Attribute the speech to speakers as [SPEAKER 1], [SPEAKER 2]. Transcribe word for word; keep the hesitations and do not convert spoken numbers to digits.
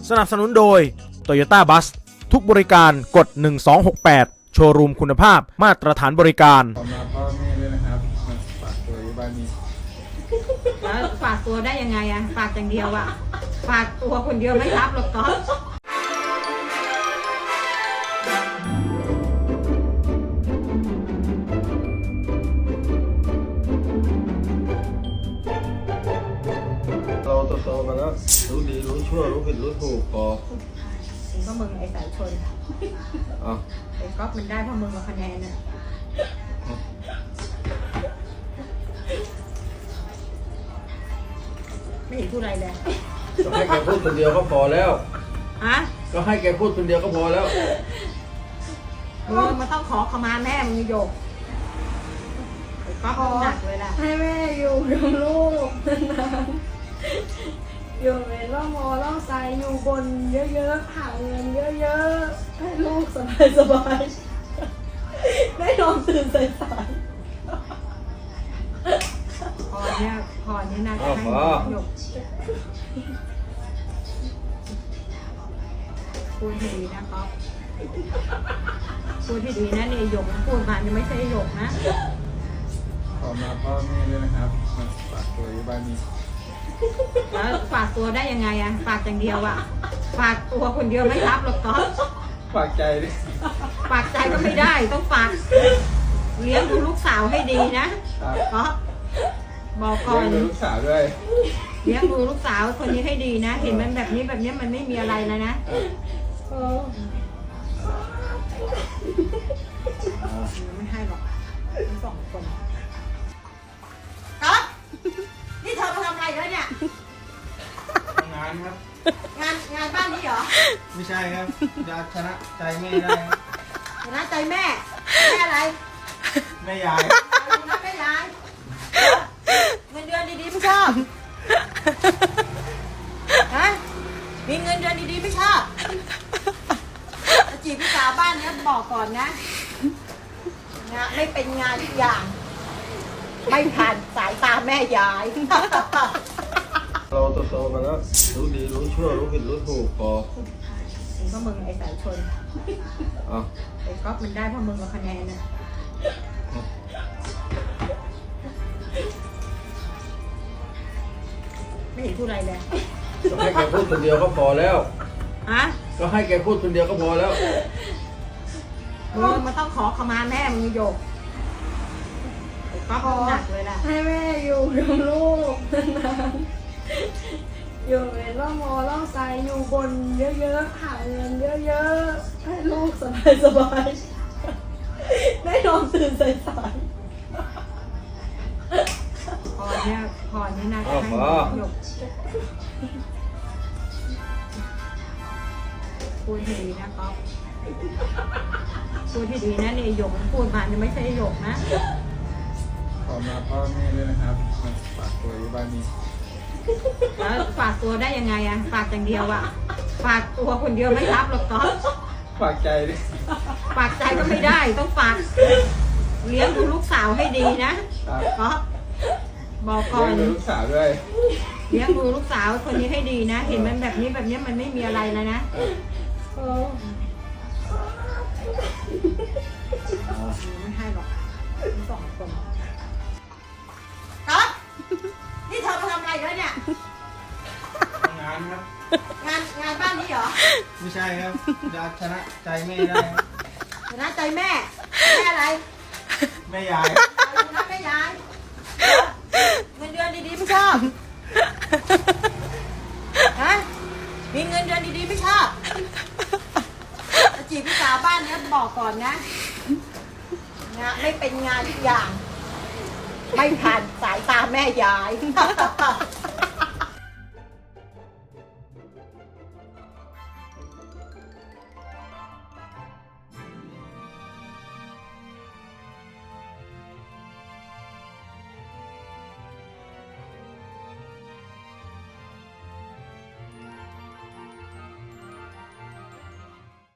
[SPEAKER 1] สนับสนุนโดย Toyota Bus ทุกบริการกดหนึ่งสองหกแปดโชว์รูมคุณภาพมาตรฐานบริการ
[SPEAKER 2] ขอมาพ่อแม่ด้วยนะครับมาฝากตัวอยู่บ้านนี้
[SPEAKER 3] แล้วฝากตัวได้ยังไงอะฝากอย่างเดียวอะฝากตัวคนเดียวไม่รับหรอกก๊อฟ
[SPEAKER 2] เราโตๆมาแล้วรู้ดีรู้ชั่วรู้ผิดรู้ถูกพอ
[SPEAKER 3] ก็มึงไอ้สายชน
[SPEAKER 2] อ๋อ
[SPEAKER 3] ไอ้ก๊อฟมันได้เพราะมึงมาคะแนนน่ะไม่เห็นพูดอะไรเลย
[SPEAKER 2] ก็ให้แกพูดคนเดียวก็พอแล้ว
[SPEAKER 3] ฮะ
[SPEAKER 2] ก็ให้แกพูดคนเดียวก็พอแล้ว
[SPEAKER 3] มึงมันต้องขอขมาแม่มึงโยกไอ้ก๊อฟหนักเลยล่ะ
[SPEAKER 4] ให้แม่อยู่กับลูกนานๆอยู่ในร่องมอร่องไซอยู่บนเยอะๆหาเงินเยอะๆให้ลูกสบายๆได้นอนตื่นสาย
[SPEAKER 3] พอเนี่ยพอเนี่ยน่าจะให้หยกพูดให้ดีนะก๊อฟพูดให้ดีนะเนี่ยหยกพูดมาเนี่ยไม่ใช่หยกนะ
[SPEAKER 2] ขอมาพ่อแม่ด้วยนะครับมาฝากตัวอยู่บ้านนี้
[SPEAKER 3] แล้วฝากตัวได้ยังไงอะฝากอย่างเดียวอะฝากตัวคนเดียวไม่รับหรอกก๊อฟ
[SPEAKER 2] ฝากใจดิ
[SPEAKER 3] ฝากใจก็ไม่ได้ต้องฝากเลี้ยงดูลูกสาวให้ดีนะก๊อฟบอกก่อน
[SPEAKER 2] เลี้ยงดูลูกสาวด้วย
[SPEAKER 3] เลี้ยงดูลูกสาวคนนี้ให้ดีนะเห็นมันแบบนี้แบบนี้มันไม่มีอะไรแล้วนะไม่ให้หรอกทั้งสองคนก๊อฟนี่เธอมาทำอะไรแล้วเนี่ย
[SPEAKER 2] งานครับ
[SPEAKER 3] งานงานบ้านนี้เหรอ
[SPEAKER 2] ไม่ใช่ครับอยากชนะใจแม่ได้
[SPEAKER 3] ชนะใจแม่แม่อะไร
[SPEAKER 2] แม่ยาย
[SPEAKER 3] นะแม่ยายเงินเดือนดีๆไม่ชอบฮะมีเงินเดือนดีๆไม่ชอบจีบพี่สาวบ้านนี้บอกก่อนนะงานไม่เป็นงานทุกอย่างไม่ผ่านสายตาแม่ยาย
[SPEAKER 2] เราโตๆมาแล้วรู้ดีรู้ชั่วรู้ผิดรู้ถูกพอ
[SPEAKER 3] ก็มึงไอ้สายชน
[SPEAKER 2] อ๋อ
[SPEAKER 3] ไอ้ก๊อฟมันได้เพราะมึงมาคะแนนน่ะไม่เห็นพูดอะไรเลย
[SPEAKER 2] ก็ให้แกพูดคนเดียวก็พอแล้ว
[SPEAKER 3] ฮะ
[SPEAKER 2] ก็ให้แกพูดคนเดียวก็พอแล้ว
[SPEAKER 3] มึงมันต้องขอขมาแม่มึงโยกไอ้ก๊อฟหนักเลยล่ะ
[SPEAKER 4] ให้แม่อยู่กับลูกนานๆอยู่ในร่องมอร่องไซอยู่บนเยอะๆหาเงินเยอะๆให้ลูกสบายๆได้นอนตื่นสาย
[SPEAKER 3] พอเนี่ยพอเนี่ยน่าจะให้หยกพูดให้ดีนะก๊อฟพูดให้ดีนะเนี่ยหยกพูดมาเนี่ยไม่ใช่หยกนะ
[SPEAKER 2] ขอมาพ่อแม่ด้วยนะครับมาฝากตัวอยู่บ้านนี้
[SPEAKER 3] แล้วฝากตัวได้ยังไงอะฝากอย่างเดียวอะฝากตัวคนเดียวไม่รับหรอกก๊อฟ
[SPEAKER 2] ฝากใจดิ
[SPEAKER 3] ฝากใจก็ไม่ได้ต้องฝากเลี้ยงดูลูกสาวให้ดีนะก๊อฟบอกก่อน
[SPEAKER 2] เลี้ยงดูลูกสาวด้วย
[SPEAKER 3] เลี้ยงดูลูกสาวคนนี้ให้ดีนะเห็นมันแบบนี้แบบนี้มันไม่มีอะไรแล้วนะไม่ให้หรอกทั้งสองคนก๊อฟนี่เธอมาทำอะไรแล้วเนี่ย
[SPEAKER 2] งานครับ
[SPEAKER 3] งานงานบ้านนี้เหรอ
[SPEAKER 2] ไม่ใช่ครับอยากชนะใจแม่ได้
[SPEAKER 3] ชนะใจแม่แม่อะไร
[SPEAKER 2] แม่ยาย
[SPEAKER 3] ชนะแม่ยายเงินเดือนดีๆไม่ชอบฮะมีเงินเดือนดีๆไม่ชอบจีบพี่สาวบ้านนี้บอกก่อนนะงานไม่เป็นงานทุกอย่างไม่ผ่านสายตาแม่ยาย